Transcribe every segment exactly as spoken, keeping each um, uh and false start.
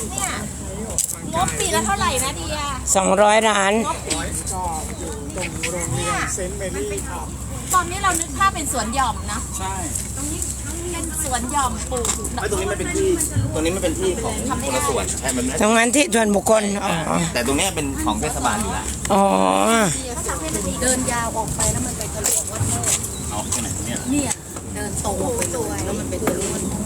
เนี่ยงบปีละเท่าไหร่นะเดียสองร้อยล้านงบปีเนี่ยตอนนี้เรานึกภาพเป็นสวนหย่อมนะใช่ตรงนี้เป็นสวนหย่อมปลูกไม่ตรงนี้มันเป็นที่ตรงนี้มันเป็นที่ของคนละส่วนใช่มันตรงนั้นที่ส่วนบุคคลอ๋อแต่ตรงนี้เป็นของเทศบาลอยู่แล้วอ๋อเดินยาวออกไปแล้วมันไปทะลุวัดโมกเอาที่ไหนเนี่ยเนี่ยเดินตรงออกไปเลยแล้วมันไปทะลุวัดโมก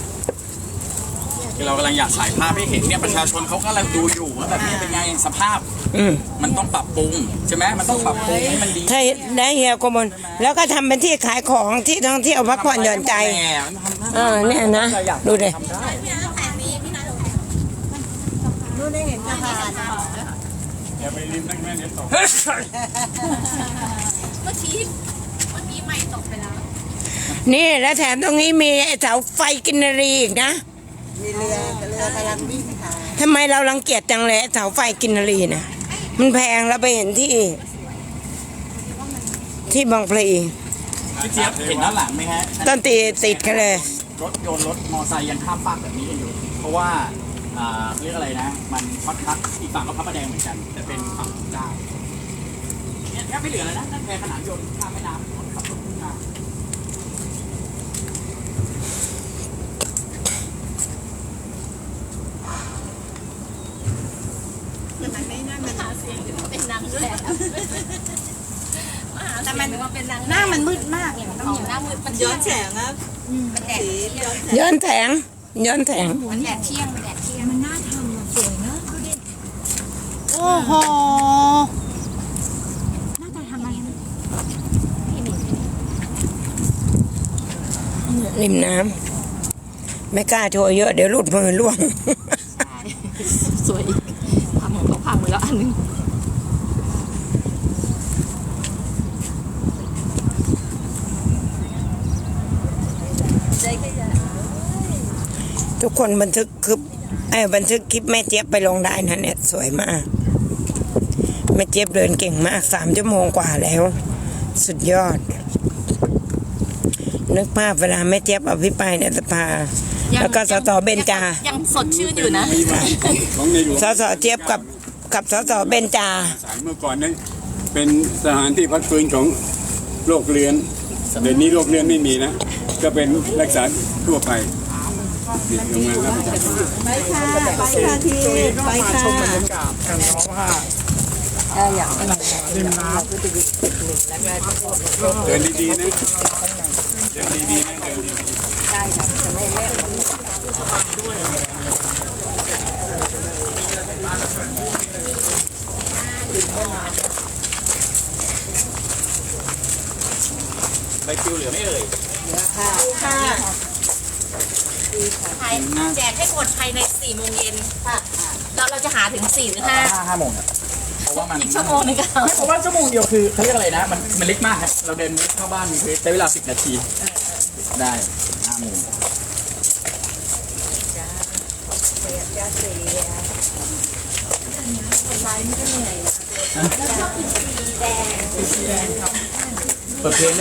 เรากำลังอยากถ่ายภาพให้เห็นเนี่ยประชาชนเขากำลังดูอยู่ว่าแบบนี้เป็นไงสภาพมันต้องปรับปรุงใช่ไหมมันต้องปรับปรุงให้มันดีใช่ได้เฮียกมลแล้วก็ทำเป็นที่ขายของที่ท่องเที่ยวพักผ่อนหย่อนใจอ่าเนี่ยนะดูดิดูได้เห็นสะพานอย่าไปริมนั่งแม่เดี๋ยวตกเมื่อกี้เมื่อกี้ไม่ตกไปแล้วนี่แล้วแถมตรงนี้มีเสาไฟกินรีอีกนะมีเรือเรือกำลังวิ่งผ่านทำไมเรารังเกียจจังเลยเสาไฟกินรีนะมันแพงแล้วไปเห็นที่ที่บางพลีพี่เจี๊ยบเห็นด้านหลังไหมฮะต้นตีติดกันเลยรถยนต์รถมอไซค์ยังข้ามฟากแบบนี้กันอยู่เพราะว่าเรียกอะไรนะมันพัดพัดอีกฝั่งก็พระประแดงเหมือนกันแต่เป็นฝั่งเจ้าเนี่ยแทบไม่เหลือแล้วนะนั่นแพขนานยนต์ข้ามแม่น้ำขับรถขึ้นมาเป็นนางแบบแต่มันหน้ามันมืดมากเนี่ยมันต้องหน้ามืดมันย้อนแสงครับมันแดดย้อนแสงย้อนแสงมันแดดเที่ยงมันแดดเที่ยงมันน่าทำสวยเนอะดูดิโอ้โหน่าจะทำอะไรริมน้ำไม่กล้าโชว์เยอะเดี๋ยวหลุดมือล่วงสวยทำของเขาพังไปแล้วอันนึงทุกคนบันทึกคลิปไอ้บันทึกคลิปแม่เจี๊ยบไปลงได้นะเนี่ยสวยมากแม่เจี๊ยบเดินเก่งมากสามชั่วโมงกว่าแล้วสุดยอดนึกภาพเวลาแม่เจี๊ยบอภิปรายในสภาแล้วก็สสเบญจายังสดชื่นอยู่นะสสเจี๊ยบกับกับสสเบญจาเมื่อก่อนนั้นเป็นสถานที่พักฟื้นของโรคเรื้อนเดี๋ยวนี้โรคเรื้อนไม่มีนะก็เป็นรักษาทั่วไปลงมาแล้วไปค่ะไปค่ะทีไปค่ะการร้องผ้าอย่างริมน้ำเดินดีๆนะเดินดีๆนะเดินดีๆได้ค่ะจะไม่เล่นใบคิวเหลือไม่เอ่ยเหลือค่ะค่ะแจกให้หมดภายในสี่โมงเย็นค่ะแล้วเราจะหาถึงสี่หรือห้าห้าโมงเพราะว่ามันอีกชั่วโมงนึงก็เพราะว่าชั่วโมงเดียวคือเขาเรียกอะไรนะมันมันเล็กมากครับเราเดินเข้าบ้านมีใช้เวลาสิบนาทีได้ห้าโมงเปิดเพลง